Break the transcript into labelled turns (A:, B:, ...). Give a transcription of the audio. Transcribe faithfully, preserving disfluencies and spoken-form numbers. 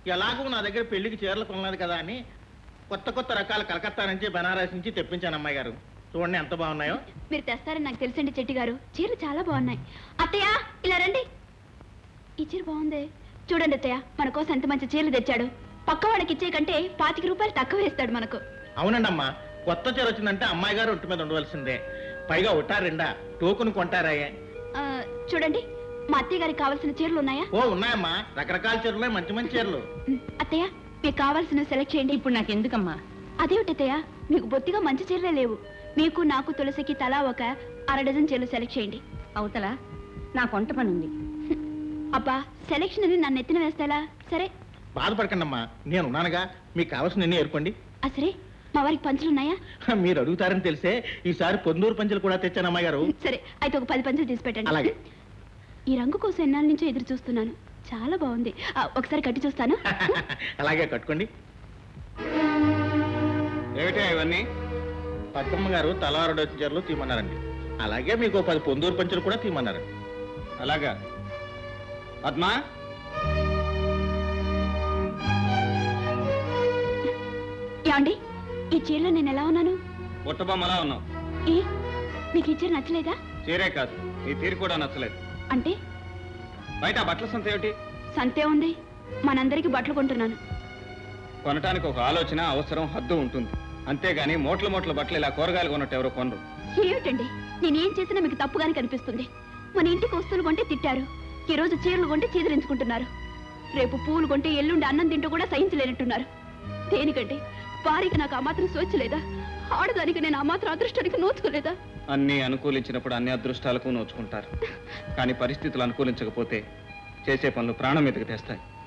A: ఎలాగో నా దగ్గర పెళ్లికి చీరలు కొనలేదు కదా అని కొత్త కొత్త రకాల కలకత్తా నుంచి బనారస్ నుంచి తెప్పించాను అమ్మాయి గారు. చూడండి ఎంత బాగున్నాయో.
B: మీరు తెస్తారని నాకు తెలుసండి చెట్టి గారు. చీరలు చాలా బాగున్నాయి. అత్తయ్య ఇలా రండి. ఈ చీర బాగుంది చూడండి అత్తయ్య. మన కోసం ఎంత మంచి చీరలు తెచ్చాడు. పక్క వాడికి ఇచ్చే కంటే పాతిక రూపాయలు తక్కువ వేస్తాడు మనకు.
A: అవునండి అమ్మా, కొత్త చీర వచ్చిందంటే అమ్మాయి గారు ఒంటి మీద ఉండవలసిందే. పైగా ఒట్టారెండా టోకును కొంటారాయే.
B: చూడండి మా అత్తయ్య గారికి కావాల్సిన చీరలు ఉన్నాయా?
A: ఓ ఉన్నాయమ్మా, రకరకాల చీరలు, మంచి మంచి చీరలు.
B: అత్తయ్య మీకు కావాల్సిన సెలెక్ట్ చేయండి.
C: ఇప్పుడు నాకు ఎందుకమ్మా?
B: అదేమిటత్తయ్య, మీకు బొత్తిగా మంచి చీరలే లేవు. మీకు నాకు తులసికి తలా ఒక అర డజన్ చీరలు సెలెక్ట్ చేయండి.
C: అవతల నా కొంట పని ఉంది.
B: అబ్బా సెలెక్షన్ అని నన్ను ఎత్తిన వేస్తాలా? సరే
A: బాధపడకండి అమ్మా, నేను ఉన్నానుగా. మీకు కావాల్సిన ఎన్ని ఏర్పండి.
B: సరే మా వారికి పంచులున్నాయా?
A: మీరు అడుగుతారని తెలిసే ఈసారి పొందూరు పంచులు కూడా తెచ్చాను అమ్మాయి గారు.
B: సరే అయితే ఒక పది పంచులు తీసి పెట్టండి.
A: అలాగే.
B: ఈ రంగు కోసం ఎన్నాళ్ళ నుంచో ఎదురు చూస్తున్నాను. చాలా బాగుంది. ఒకసారి కట్టి చూస్తాను.
A: అలాగే కట్టుకోండి.
D: ఏమిటా ఇవన్నీ?
A: పద్మమ్మ గారు తలారు డజన్ చీరలు తీయమన్నారండి. అలాగే మీకు పది పొందూరు పంచులు కూడా తీయమన్నారండి.
D: అలాగా పద్మా?
B: ఏమండి ఈ చీరలో నేను ఎలా ఉన్నాను?
D: బుట్టబొమ్మలా ఉన్నావు.
B: ఏ మీకు ఈ చీర నచ్చలేదా?
D: చీరే కాదు, నీ తీరు కూడా నచ్చలేదు.
B: అంటే
D: బయట బట్టల సంత ఏమిటి?
B: సంతే ఉంది. మనందరికి బట్టలు కొంటున్నాను.
D: కొనటానికి ఒక ఆలోచన, అవసరం, హద్దు ఉంటుంది. అంతేగాని మూట్ల మూట్ల బట్టలు ఇలా కూరగాయలు కొన్నట్టు ఎవరో కొనరు.
B: ఏమిటండి నేనేం చేసినా మీకు తప్పుగానే కనిపిస్తుంది. మన ఇంటికి వస్తువులు కొంటే తిట్టారు, ఈ రోజు చీరలు కొంటే చీదరించుకుంటున్నారు. రేపు పూలు కొంటే ఎల్లుండి అన్నం తింటూ కూడా సహించలేనట్టున్నారు. దేనికంటే వారికి నాకు ఆ మాత్రం స్వేచ్ఛ లేదా? ఆడదానికి నేను ఆ మాత్రం అదృష్టానికి నోచుకోలేదా?
D: అన్ని అనుకూలించినప్పుడు అన్ని అదృష్టాలకు నోచుకుంటారు. కానీ పరిస్థితులు అనుకూలించకపోతే చేసే పనులు ప్రాణం మీదకి తెస్తాయి.